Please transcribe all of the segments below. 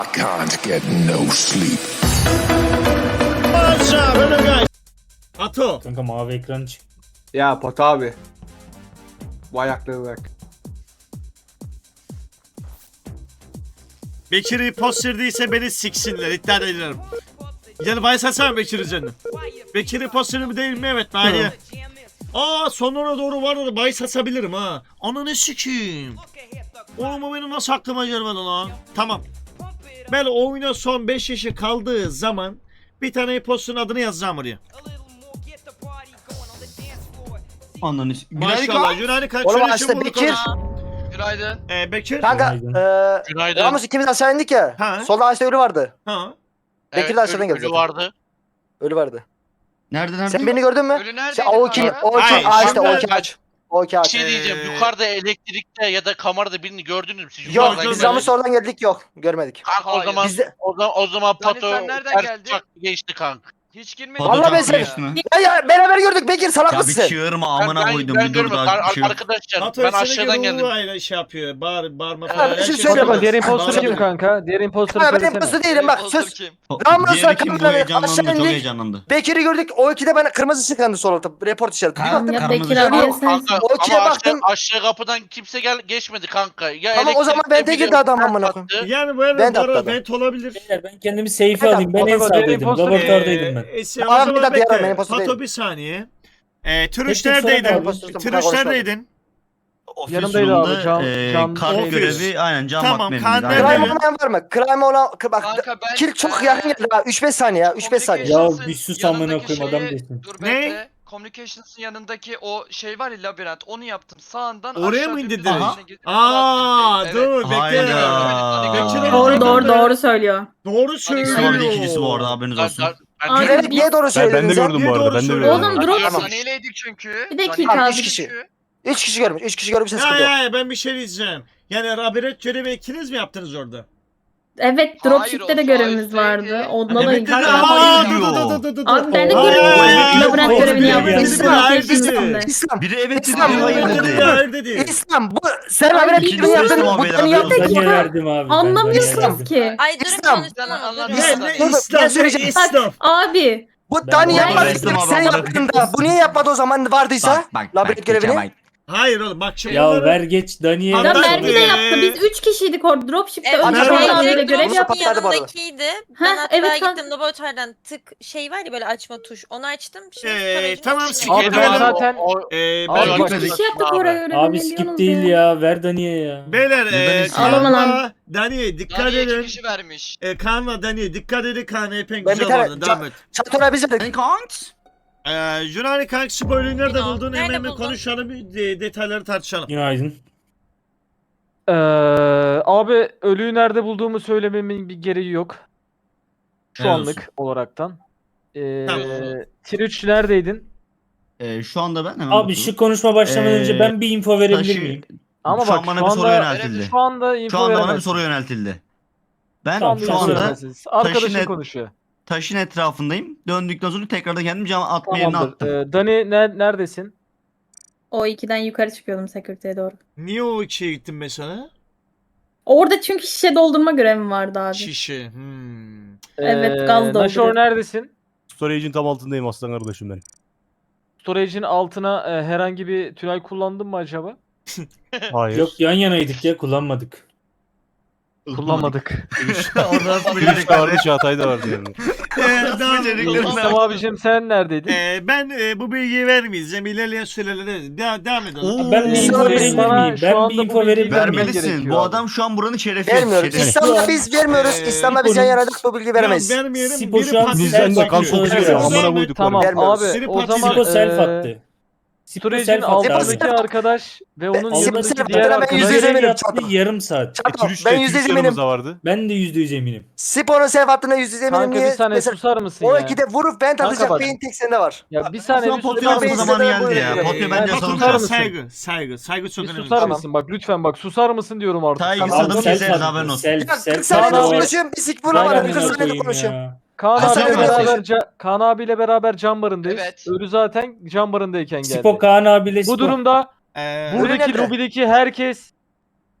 I can't get no sleep. Ato. Kanka mavi ekran çık. Ya Pat abi. Bu ayakları bırak. Bekir'i posterdiyse beni siksinler. İddia ederim. Yani Bayes Hasan Bekir'i canım. Bekir'i posteri mi değil mi? Evet. Bari. Aa sonuna doğru vardı. Bayes asabilirim ha. Ananı sikeyim. Oğlum o benim nasıl aklıma gelmedi lan. Tamam. Ben oyuna son 5 yaşı kaldığı zaman bir tane posterın adını yazacağım oraya. Ananı Maşallah. Yunani kaç Oğlum sene aslında bunu Bekir. konuş. Günaydın. Bekir. Kanka Günaydın. Ramos ikimiz aşağı indik ya. Ha. Solda ağaçta ölü vardı. Ha. Bekir de aşağıdan geldi ölü zaten. vardı. Ölü vardı. Nerede? Sen beni gördün mü? Ölü neredeydi? Şey, o iki Hayır, ağaçta, o şimdi- iki ağaç. O iki Bir ağaç. şey diyeceğim. Yukarıda elektrikte ya da kamerada birini gördünüz mü? Siz Yok yukarıdan biz görmedim. Ramos oradan geldik yok. Görmedik. Kanka o Hayır. zaman Bizde... o zaman Yani Pato sen nereden ters geldin? uçak geçti kanka. Hiç girmedin. Pato Vallahi ben çarptı seni- geçti mi? Ya beraber gördük Bekir salak Ya bir mısın? çığırma amına koydum bir dur görmedim. daha bir şey yok. Arkadaşlar Pato ben seni aşağıdan gibi geldim. ruhuyla şey yapıyor. Bağırma Ha, falan. bir şey Herkes söyle bağırıyor. bak, Diğer imposter Bağırıyor. kim kanka? Diğer imposter Ha, benim söylesene. postu değilim bak Imposter söz. kim? Ramos'la Diğeri kim bu kameradan heyecanlandı aşağı çok indik. heyecanlandı. Bekir'i gördük. O ikide bana kırmızı ışık yandı sol altta. Report işareti. Bir Tamam, baktım. ya Bekir Kırmızı abi ışık. yesin. Kanka O ikiye ama baktım. aşağı kapıdan kimse geçmedi kanka. Ya Tamam, o zaman ben elektrikte tek biri girdi adam amına attı. koyayım. Yani bu arada Ben de bu arada atladım. vent olabilir. Beyler ben kendimi safe Evet, alayım. Ben en Pato, diğer sağdaydım. imposter- Laboratuvardaydım ben. O Abi, bir zaman dakika, bekle. benim postu Pato değilim. bir saniye. Tek Türüş tek neredeydin? sorma abi. Türüş neredeydin? Ofis Yanımdaydı abi, room'da, cam kalp ofis. görevi aynen cam Tamam, bakmam. kan Aynen. nerede? Crime olmayan var mı? Crime olan... Bak Kanka ben... kill çok yakın geldi ha. 3-5 saniye ya. 3-5 saniye. Ya Communications'ın bir sus amına yanındaki koyayım, adam şeyi- değilsin. Dur Ne? bekle. Communications'ın yanındaki o şey var ya labirent onu yaptım. Sağından Oraya aşağı mı dümdüz indirdin? içine gittim. Aa, Evet. dur bekle. Hayda. Bekir Doğru abi, doğru ben- doğru söylüyor. Doğru İslam söylüyor. bir ikincisi bu arada haberiniz olsun. Abi, Evet niye doğru Ben söyledin de sen? gördüm Niye bu arada. doğru Ben de söylüyorsun? gördüm. Oğlum drop. Tamam. Saniyeleydik çünkü. Bir dakika Abi, abi. 3 kişi. 3 kişi görmüş. 3 kişi görmüşse sıkıntı yok. Ya ben bir şey diyeceğim. Yani Rabiret görevi ikiniz mi yaptınız orada? Evet Hayır, dropship'te o de sağ görevimiz üstteydi. vardı. Ondan da Evet, indik. kanka, Aa, diyor. dur. Abi ben de Hayır, görevimi labirent hayır, görevini hayır, yaptım. hayır, İslam. hayır. İslam. Biri evet dedi, İslam, biri hayır hayır, dedi. Hayır dedi. İslam bu sen Ay, haber bir ettiğini yaptın. İslam Bu haberi tane yapıyoruz. yaptın. Daniye verdim abi. ben Anlamıyorsun Daniye verdim. ki. Ay durun İslam. konuşsun. Anladım. Ne Dur, İslam ben ne söyleyeceğim. İslam. Abi. Bu Ben tane bu yapmadı. arada İslam Sen abi, yaptın da. Bu niye yapmadı o zaman vardıysa? Labirent görevini. Hayır oğlum bak şimdi. Ya bunları- ver geç Daniye. Abi, Ya ben- Merve de yaptı. Biz 3 kişiydik orada dropship'te. Evet, Önce Merve Kaan de- abiyle direkt görev Bunu yaptık. patladı bu arada. yanındakiydi. Ben Ha, hatta evet, gittim laboratuvardan tık şey var ya böyle açma tuş. Onu açtım. Şimdi tamam, storage'ın sikeyim. Abi içine- ben zaten... Abi, Üç gitmedik. kişi yaptık oraya görevi. Abi skip değil ya. Ver Daniye ya. Beyler Neden İslam? Ağlama lan. Kaan'la Dani'ye dikkat Daniye 2 edin. kişi vermiş. Kaan'la Dani'ye dikkat edin. Kaan epey Ben bir güzel tane oldu. Devam et. Çatora biz verdik. Yunani kanka spoiler'ı nerede Yunan, buldun? nerede Hemen bir buldun? konuşalım. Detayları tartışalım. Günaydın. Abi ölüyü nerede bulduğumu söylememin bir gereği yok. Şu Helal anlık olaraktan. Tamam. Tier neredeydin? Şu anda ben hemen Abi bakıyorum. şu konuşma başlamadan önce ben bir info verebilir Taşı- miyim? Ama şu bak an bana şu bir soru anda, yöneltildi. şu anda info Şu anda bana bir veremezsin. soru yöneltildi. Ben Tamam, şu info anda veremezsiniz. Arkadaşın taşın et- konuşuyor. taşın etrafındayım. Döndükten sonra tekrardan kendim cam atma yerine Tamamdır. attım. Dani neredesin? O 2'den yukarı çıkıyordum security'ye doğru. Niye o ikiye gittin mesela? Orada çünkü şişe doldurma görevim vardı abi. Şişe. Evet, gaz dolduruyor. Naşor neredesin? Storage'in tam altındayım aslan kardeşim benim. Storage'in altına herhangi bir tünel kullandın mı acaba? Hayır. Yok yan yanaydık ya kullanmadık. Kullanmadık. Orada nasıl Gülüş de vardı, becerikler? Çağatay da vardı yani. İslam abicim sen neredeydin? Ben bu bilgiyi vermeyeceğim. İlerleyen sürelerde devam edelim. Ben bir İslam info abi, verebilir sana miyim? şu Ben anda bir bu info bilgiyi verebilir miyim? Vermelisin. gerekiyor Bu abi. adam şu an buranın şerefi. Vermiyoruz. şerefi. İslam'da biz vermiyoruz. İslam'da biz yan yanadık bu bilgi veremeyiz. Ya vermeyelim. Sipo Biri şu an patlayacak. Bizden de kan Sipo kokuyor. söylüyor. Amına koyduk. Tamam Vermiyoruz. abi Seni o patlayacak. zaman Sipo self attı. Sipo Storage'in self attı altındaki abi. arkadaş ve onun Sipo yanındaki self diğer attı, ben arkadaş. yüzde yüz Görev eminim, yaptı çato. yarım saat. Çato, Türüş ben de yüzde yüz yanımızda eminim. vardı. Ben de %100 eminim. Spor'un self hattına yüzde eminim. Kanka bir Niye? saniye Mesela susar mısın o ya? ikide vurup ben Kanka atacak bak. beyin tek sende var. Ya bir saniye Şu an bir Potu'yu susar atma mısın? zamanı Ben geldi ya. böyle- Potu'yu bence Ben sana susar Patlayacak. mısın? Saygı çok Bir önemli. susar Tamam. mısın? Bak lütfen bak susar mısın diyorum artık. Saygı Tamam. adamı self keseriz attı, haberin olsun. self, Ya self 40 saniyede Kaan abi- konuşuyorum. Bir sik Vay bulamadım. amına 40 saniyede koyayım konuşuyorum. ya. Kaan Sen abiyle de beraber Kaan abiyle beraber cam barındayız. Evet. Ölü zaten cam barındayken geldi. Sipo Kaan abiyle Bu Sipo. durumda Ee, Ölü buradaki nerede? lobideki herkes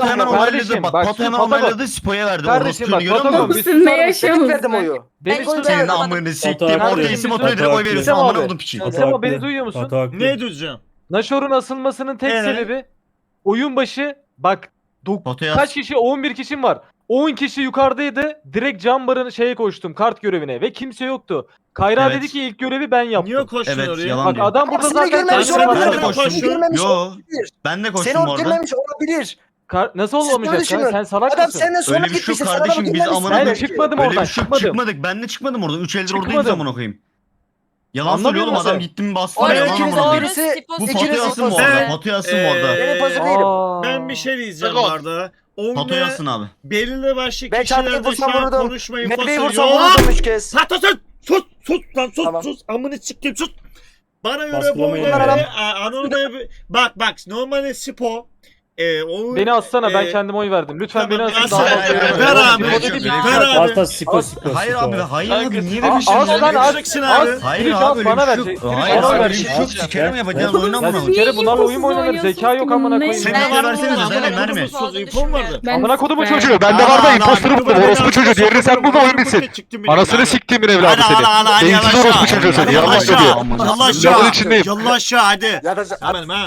Pato hemen Kardeşim, onayladı. Bak bak, Pato hemen Pato bak. onayladı. Spo'ya verdi. Kardeşim Orospu'nu bak, görüyor Pato musun? bak. Siz ne yaşıyorsunuz? Verdim oyu. Beni Ben duyuyor hiç Senin anlamadım. amını Pato siktiğim. haklı. Orada isim Pato otoyları oy haklı. veriyorsun Semo amına abi. kodum piçi. Pato Semo haklı. beni duyuyor musun? Pato haklı. Ne diyeceğim? Nashor'un asılmasının tek sebebi oyun başı bak Fotoya kaç kişi 11 kişim var. 10 kişi yukarıdaydı. Direkt Cambar'ın şeye koştum kart görevine ve kimse yoktu. Kayra Evet. dedi ki ilk görevi ben yaptım. Niye koştun Evet, oraya? yalan Bak diyor. adam burada Seni zaten görmemiş Ben olabilir. de Seni koştum. görmemiş Yo. olabilir. Ben de Seni koştum orada orada. görmemiş olabilir. Nasıl Siz olmayacak böyle sen? düşünün. Sen salak Adam mısın? senden sonra Öyle bir şey gitmişsin. yok Sen adamı kardeşim, biz görmemişsin. amına Ben koyayım. çıkmadım Öyle oradan bir şey çıkmadım. çıkmadık. Ben de çıkmadım oradan. 3 eldir oradayız Çıkmadım. amına koyayım. Yalan Anlamıyor söylüyorum musun? adam gittim bastı Orada yalan ikiniz amına de koyayım. birisi- Bu İkiniz fotoya asın bu de- arada. Ben- Fotoya asın bu arada. Ben imposter değilim. Ben bir şey diyeceğim Dragon. bu arada. Fotoya Oyunda asın abi. belirli başlı Ben çarpıyı kişilerde şu vursam an vurdum. konuşmayın. Meleği Fosu vursam yok. vurdum 3 kez. Sus lan sus Tamam. sus. Amını sikeyim sus. Bana göre bu Baskılamayın. oyunda Anonym'da bak normalde Spo o Beni assana ben e, kendime oy verdim. Lütfen tamam, beni asın. as- daha ver, fazla ver, yürüme. ver Öyle abi, bir ver şey abi. değil. Ver abi. Basta Siko Siko. Hayır Siko. abi hayır Kanka, abi niye Aa, böyle bir şey as diyorsun? lan as. vereceksin abi. Hayır Twitch abi as, öyle bana bir ver. şey yok. Twitch Hayır bana abi ver. öyle bir şey yok. Sikerim yapacağız oyun amına Ya koyayım. sikerim bunlarla oyun mu imposuz oynanır? Zeka yok amına koyayım. Senin Sen var de mı? versenize, Amına Zeynep, koyayım, verme. sus, infom vardı. Ben Amına kodumun süper. çocuğu. Ben de var da imposter mıdır? Orospu çocuğu, diğerini sen bul da oyun bitsin. Anasını siktimin evladı seni. Beyinsiz orospu çocuğu seni. Yallah aşağı. Yallah aşağı. Lavın içindeyim. Yallah aşağı hadi. Ya da Hemen ha.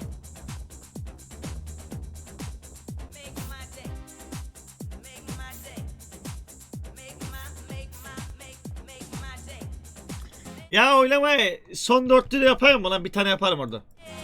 Ya oylamayı son dörtlü de yapayım mı lan? Bir tane yaparım orada.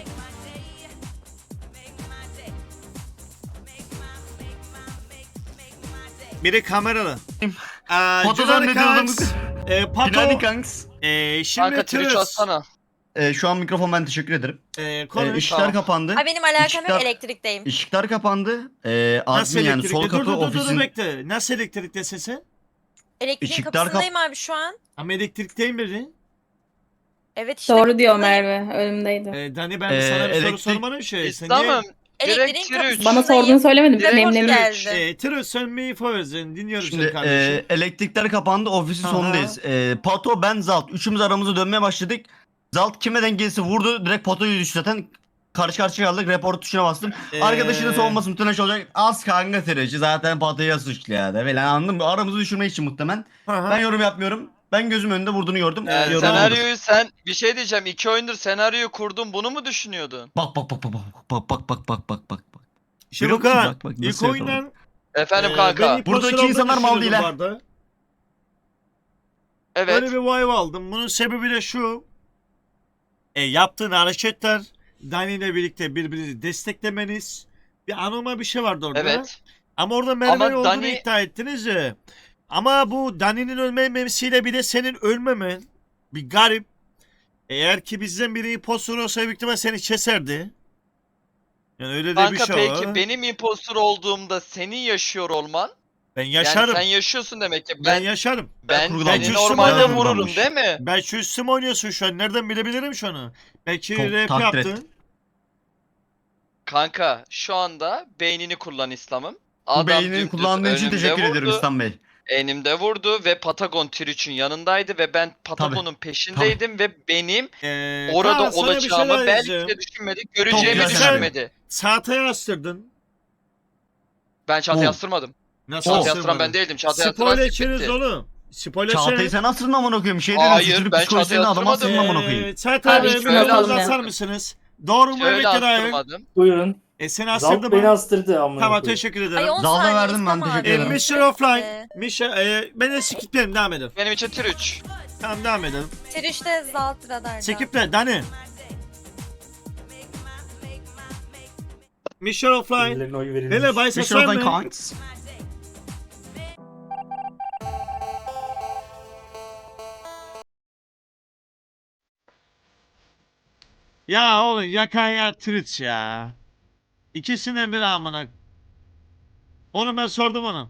Biri kameralı. Fotodan ne diyordunuz? Pato. Günaydın kanks. Şimdi Kanka Twitch Tırıs. atsana. Şu an mikrofon ben teşekkür ederim. Konuş. Işıklar Tamam. kapandı. Ay benim alakam Işıklar- yok elektrikteyim. Işıklar kapandı. Nasıl Admin yani elektrikte? sol kapı Dur ofisin. bekle. Nasıl elektrikte sesi? Elektriğin Işıklar kapısındayım abi şu an. Ama elektrikteyim biri. Evet işte. Doğru diyor kapısındayım. Merve. Önümdeydi. Dani ben sana bir soru elektrik- sormanın şey. Sen niye? Tamam. Direkt Elektriğin Twitch. kapısındayım. Bana sorduğunu söylemedim. Direkt Nemlemiş. geldi. Tırıs sen bir info verin. Dinliyorum seni Şimdi kardeşim. elektrikler kapandı ofisin Aha. sonundayız. Pato ben Zalt. Üçümüz aramızda dönmeye başladık. Zalt kime denk gelirse vurdu. Direkt Pato'yu düştü zaten. Karşı karşıya kaldık. Report tuşuna bastım. Arkadaşının savunması muhtemelen şey olacak. Az kanka süreci. Zaten Pato'ya suçlu ya da falan anladın mı? Aramızı düşürmek için muhtemelen. Aha. Ben yorum yapmıyorum. Ben gözüm önünde vurduğunu gördüm. Yani Yorum olmadı. senaryoyu sen bir şey diyeceğim. 2 oyundur senaryoyu kurdun. Bunu mu düşünüyordun? Bak bak bak bak bak bak bak bak bak bak. Şimdi Biliyor musun? Luka Bak, bak, ilk nasıl oyundan Efendim kanka. Buradaki insanlar mal değil ha. Evet. Öyle bir vibe aldım. Bunun sebebi de şu. Yaptığın hareketler Dani ile birlikte birbirinizi desteklemeniz. Bir anormal bir şey vardı orada. Evet. Ama orada Merve Ama olduğunu Dani- iddia ettiniz ya. Ama bu Dani'nin ölmemesiyle bir de senin ölmemen bir garip. Eğer ki bizden biri impostor olsa büyük ihtimal seni keserdi. Yani öyle de bir Kanka şey peki var. benim impostor olduğumda senin yaşıyor olman. Ben Yani yaşarım. sen yaşıyorsun demek ki. Ben Ben yaşarım. kurgulanmış. seni Ben normalde kurgulanmış. vururum değil mi? Belki üstüme oynuyorsun şu an. Nereden bilebilirim şu an? Belki Çok rap takdir yaptın. ettim. Kanka şu anda beynini kullan İslam'ım. Bu Adam beynini dümdüz kullandığın için önümde teşekkür ediyorum vurdu, İslam Bey. Enimde vurdu ve Patagon Twitch'in yanındaydı ve ben Patagon'un peşindeydim ve benim orada Kaan, sana bir olacağımı şeyler belki diyeceğim. de düşünmedi, göreceğimi güzel düşünmedi. Saate yastırdın. Ben Çağatay'ı Oh. astırmadım. Nasıl Çağatay'ı yastırmadın? astıran ben değildim. Çağatay'ı astıran Spoiler siktir içeriz gitti. oğlum. Spoiler Çağatay'ı sen asrın amına koyayım. Şey dedim. Hayır, Çocuk ben psikolojisini Çağatay'ı adama asrın astırmadım. amına koyayım. Çağatay Abi, Bey hiç biraz yapalım atar ya. mısınız? Doğru mu Şöyle evet ya da hayır? astırmadım. Buyurun. Seni Zalt astırdı beni mı? astırdı amına Tamam koyayım. teşekkür Ay ederim. 10 Zalda saniye verdim ben, İslam teşekkür abi. ederim. Mr. Offline. Ben de skiplerim devam edelim. Benim için tür 3. Tamam devam edelim. Tirişte Zalt radarda. Skiple Dani. Mr. Offline. Birilerine oy verilmiş. Hele Bay Bir şey Sasan oldan mı? kanks. Ya oğlum yakan ya Twitch ya. İkisinden biri amına. Onu ben sordum ona.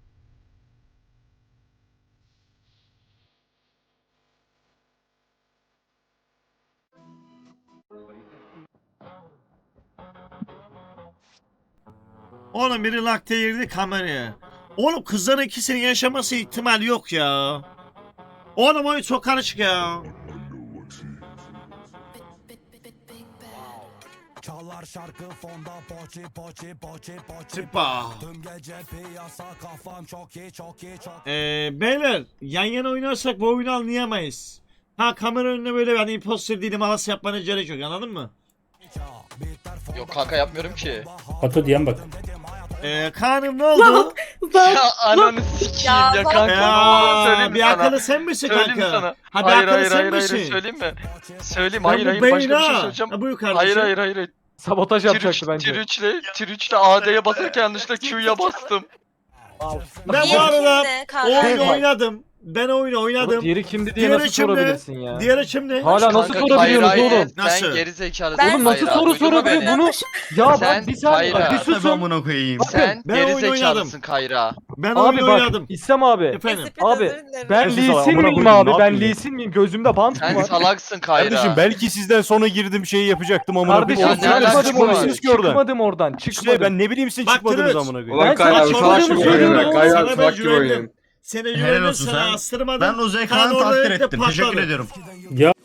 Oğlum biri lakte girdi kameraya. Oğlum kızların ikisinin yaşaması ihtimali yok ya. Oğlum oyun çok karışık ya. Çalar şarkı fonda poçi poçi poçi poçi. Tıpa. Tüm gece piyasa kafam çok iyi çok iyi çok. Beyler yan yana oynarsak bu oyunu anlayamayız. Ha kamera önüne böyle ben imposter değilim havası yapmanız gerek yok anladın mı? Yok kanka yapmıyorum ki. Pato diyen bak. Kaan'ım ne oldu? Ya ananı sikeyim Ya, ya bak- kanka. Söyleyeyim mi bir sana? akıllı sen misin Söyleyeyim mi kanka? sana? Ha bir Hayır akıllı hayır sen hayır hayır misin? söyleyeyim mi? Söyleyeyim Sen hayır bu hayır başka bir beyin şey ha. söyleyeceğim. Ha, buyur Hayır kardeşim. hayır hayır. Sabotaj yapacaktı bence. Tirüç'le AD'ye basarken yanlışlıkla Q'ya bastım. Ben bu Diğeri arada kimdi? Kaan? oyunu oynadım. Ben oyunu oynadım. Diğeri kimdi diye Diğeri nasıl kimdi? sorabilirsin ya? Diğeri kimdi? Hala nasıl Kanka, sorabiliyorsunuz Kayra'yı oğlum? Nasıl? Sen geri zekalısın. Ben- Oğlum nasıl Kayra, soru duydun mu sorabiliyor beni? bunu? Ya Sen bak bir saniye Kayra. bir Tabii susun. amına koyayım. Sen Ben geri oyun zekalısın Kayra. Ben Abi oyunu bak oynadım. İslam abi. Efendim. Espri Abi, özür dilerim. Ben Neyse, Lee salak, Sin amına miyim koyayım, abi? ne Ben yapayım Lee ya? Sin miyim? Gözümde bant mı Sen var? salaksın Kayra. Kardeşim belki sizden sonra girdim şeyi yapacaktım amına Kardeşim koyayım. Ya ne alakası çıkmadım var? Çıkmamışsınız ki oradan. Çıkmadım oradan. İşte Çıkmadım. ben ne bileyim siz Bak, çıkmadınız Tırıç. amına koyayım. Ulan Ben Kayra sana abi sorduğumu salak gibi söylüyorum oynuyor. oğlum. Kayra Sana abi ben salak gibi güvendim. oynuyor. Seni Helal güvendim olsun sana sen. astırmadım. Ben Ozey Kaan Kaan'ı orada takdir hep de ettim. Teşekkür patladı. ediyorum. Ya